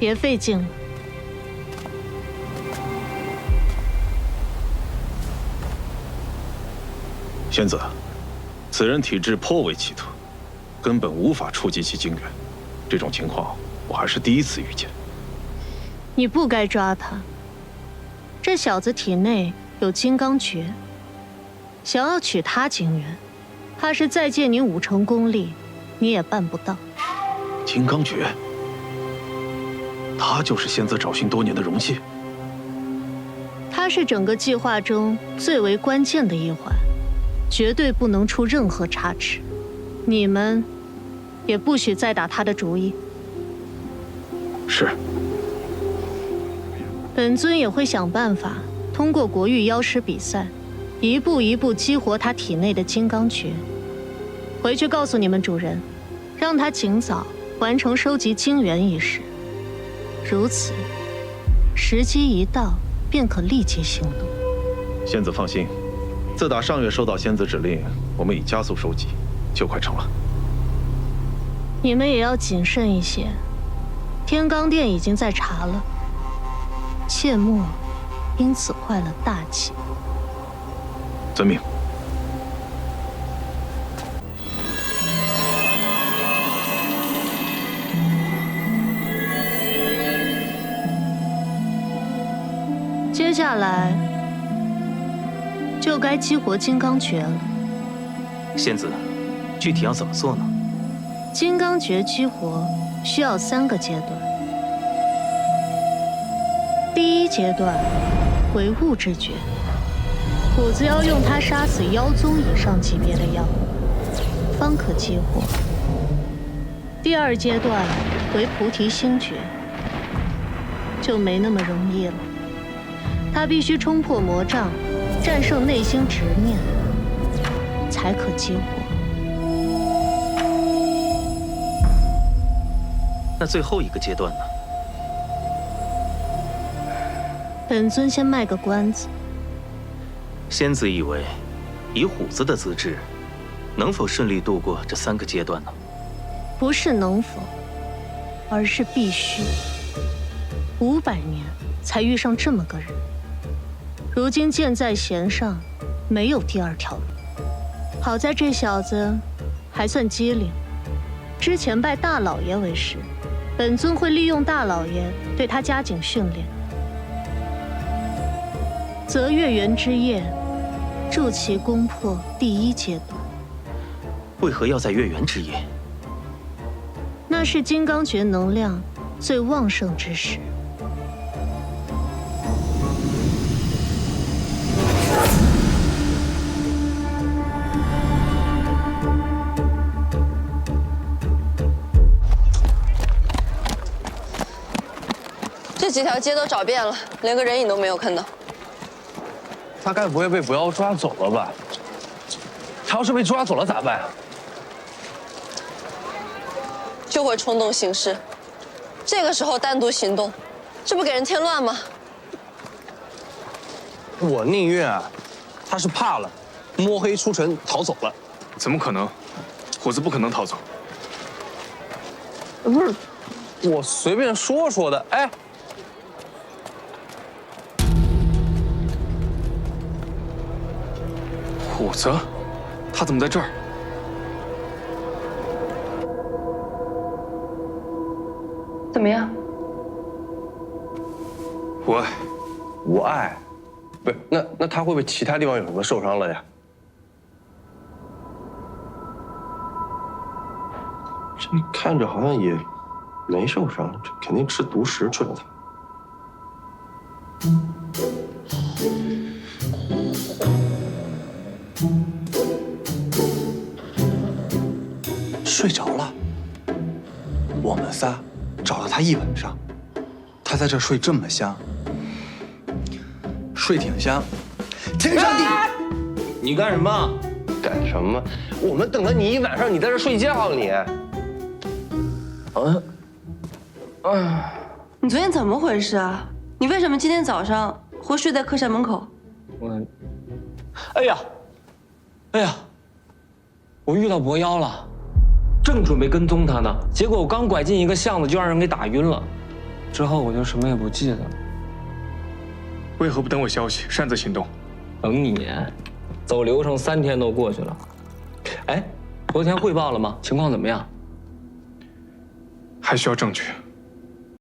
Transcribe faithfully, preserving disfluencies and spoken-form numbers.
别费劲了。 仙子，此人体质颇为奇特，根本无法触及其精元。这种情况我还是第一次遇见。 你不该抓他。这小子体内有金刚诀，想要取他精元，怕是再借你五成功力，你也办不到。 金刚诀，他就是仙子找寻多年的容器。 他是整个计划中最为关键的一环，绝对不能出任何差池。你们也不许再打他的主意。 是。 本尊也会想办法，通过国域妖师比赛，一步一步激活他体内的金刚诀。回去告诉你们主人，让他尽早完成收集精元一事。如此，时机一到，便可立即行动。 仙子放心，自打上月收到仙子指令，我们已加速收集，就快成了。 你们也要谨慎一些。天罡殿已经在查了，切莫因此坏了大气。 遵命。 接下来就该激活金刚诀了。 仙子，具体要怎么做呢？ 金刚诀激活需要三个阶段。第一阶段为物质诀，虎子要用它杀死妖宗以上级别的妖，方可激活。第二阶段为菩提心诀，就没那么容易了。他必须冲破魔障，战胜内心执念，才可激活。 那最后一个阶段呢？ 本尊先卖个关子。 仙子以为，以虎子的资质，能否顺利度过这三个阶段呢？ 不是能否，而是必须。五百年才遇上这么个人。如今箭在弦上，没有第二条路。好在这小子还算机灵，之前拜大老爷为师，本尊会利用大老爷对他加紧训练。择月圆之夜，助其攻破第一阶段。 为何要在月圆之夜？ 那是金刚诀能量最旺盛之时。 这几条街都找遍了，连个人影都没有看到。 他该不会被不要抓走了吧？他要是被抓走了咋办？ 就会冲动行事，这个时候单独行动，这不给人添乱吗？ 我宁愿啊，他是怕了，摸黑出城逃走了。 怎么可能？虎子不可能逃走。 不是，我随便说说的。哎。 虎子，他怎么在这儿？ 怎么样？ 无碍。 无碍？不是，那那他会不会其他地方有什么受伤了呀？这看着好像也没受伤，这肯定吃毒食去了他。睡着了。我们仨找了他一晚上，他在这睡这么香，睡挺香。天上地， 你干什么？ 干什么？我们等了你一晚上，你在这睡觉你。 嗯，啊，你昨天怎么回事啊？你为什么今天早上会睡在客栈门口？ 我，哎呀，哎呀，我遇到魔妖了，正准备跟踪他呢，结果我刚拐进一个巷子，就让人给打晕了。 之后我就什么也不记得了。 为何不等我消息，擅自行动？ 等你，走流程三天都过去了。哎，昨天汇报了吗？情况怎么样？ 还需要证据。